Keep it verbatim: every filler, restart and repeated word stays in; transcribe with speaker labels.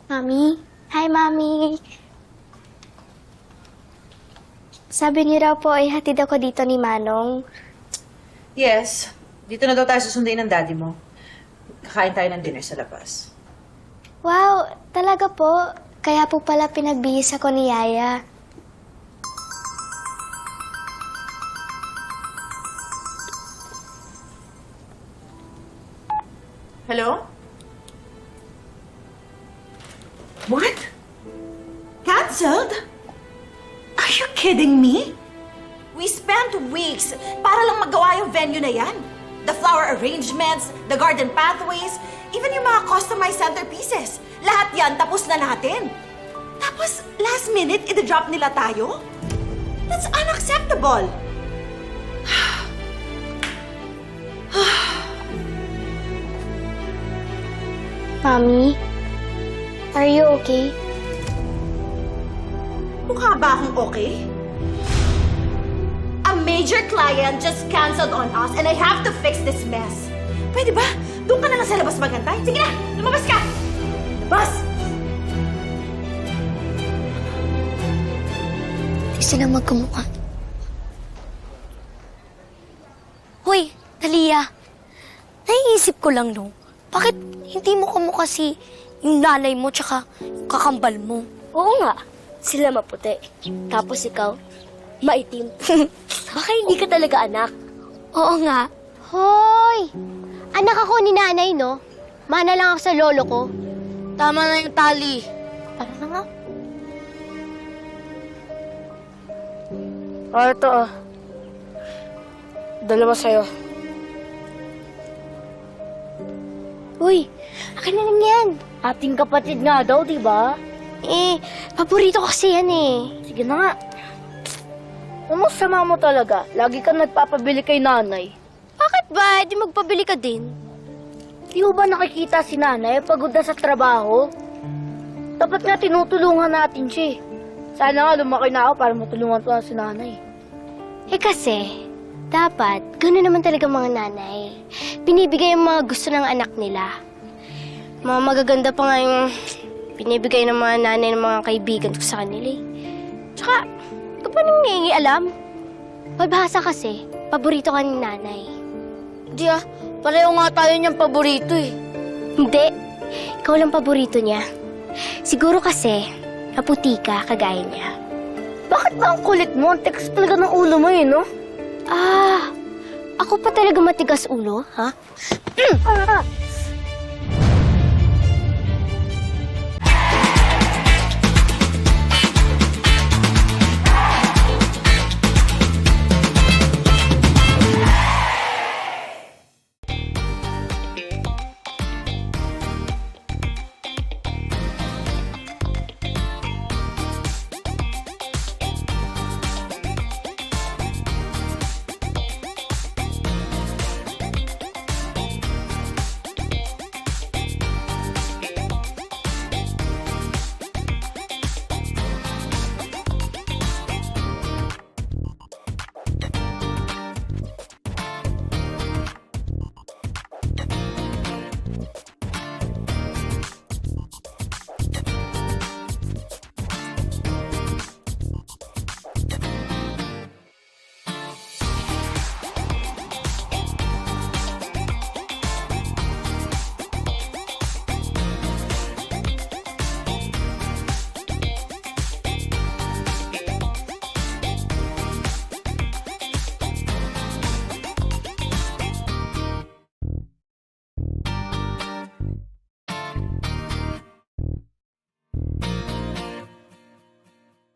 Speaker 1: Mami? Hi, Mami. Sabi niyo raw po ay hatid ako dito ni Manong.
Speaker 2: Yes. Dito na daw tayo susunduin ng daddy mo. Kakain tayo ng dinner sa labas.
Speaker 1: Wow, talaga po. Kaya po pala pinagbihis ako ni Yaya.
Speaker 2: Hello? What? Cancelled? Are you kidding me?
Speaker 3: We spent weeks para lang magawa yung venue na yan. The flower arrangements, the garden pathways, even yung mga customized centerpieces. Lahat yan, tapos na natin. Tapos, last minute, i-drop nila tayo? That's unacceptable.
Speaker 1: Mami? Are you okay?
Speaker 3: Mukha ba akong okay? A major client just canceled on us and I have to fix this mess. Pwede ba? Doon ka na lang sa labas magantay. Sige na, lumabas ka! Labas!
Speaker 1: Di sila magkamukha. Hoy, Talia. Naiisip ko lang, no? Bakit hindi mo kamukha si yung nanay mo tsaka yung kakambal mo? Oo nga. Sila maputi. Tapos ikaw, maitim. Baka hindi ka talaga anak. Oo nga. Hoy! Anak ako ni nanay, no? Mana lang ako sa lolo ko. Tama na yung tali. Tara na nga.
Speaker 4: Ah, ito ah. Dalawa sa'yo.
Speaker 1: Uy, akin na lang yan.
Speaker 4: Ating kapatid nga daw, di ba?
Speaker 1: Eh, paborito kasi yan eh.
Speaker 4: Sige na nga. Ano sama mo talaga? Lagi ka nagpapabili kay nanay.
Speaker 1: Bakit ba? Di magpabili ka din.
Speaker 4: Di mo ba nakikita si nanay pagod na sa trabaho? Dapat nga tinutulungan natin siya. eh. Sana nga lumaki na ako para matulungan ko na si nanay.
Speaker 1: Eh kasi, dapat, gano'n naman talaga mga nanay. Binibigay yung mga gusto ng anak nila. Mga magaganda pa nga yung binibigay ng mga nanay ng mga kaibigan ko sa kanila eh. Tsaka, ito pa nang nangyayang alam. Palbahasa kasi, paborito ka ni nanay.
Speaker 4: Di ah, pareho nga tayo niyang paborito eh.
Speaker 1: Hindi, ikaw lang paborito niya. Siguro kasi, naputi ka kagaya niya.
Speaker 4: Bakit ba ang kulit mo? Ang tikas talaga ng ulo mo eh, no?
Speaker 1: Ah, ako pa talaga matigas ulo, ha?
Speaker 4: Ah,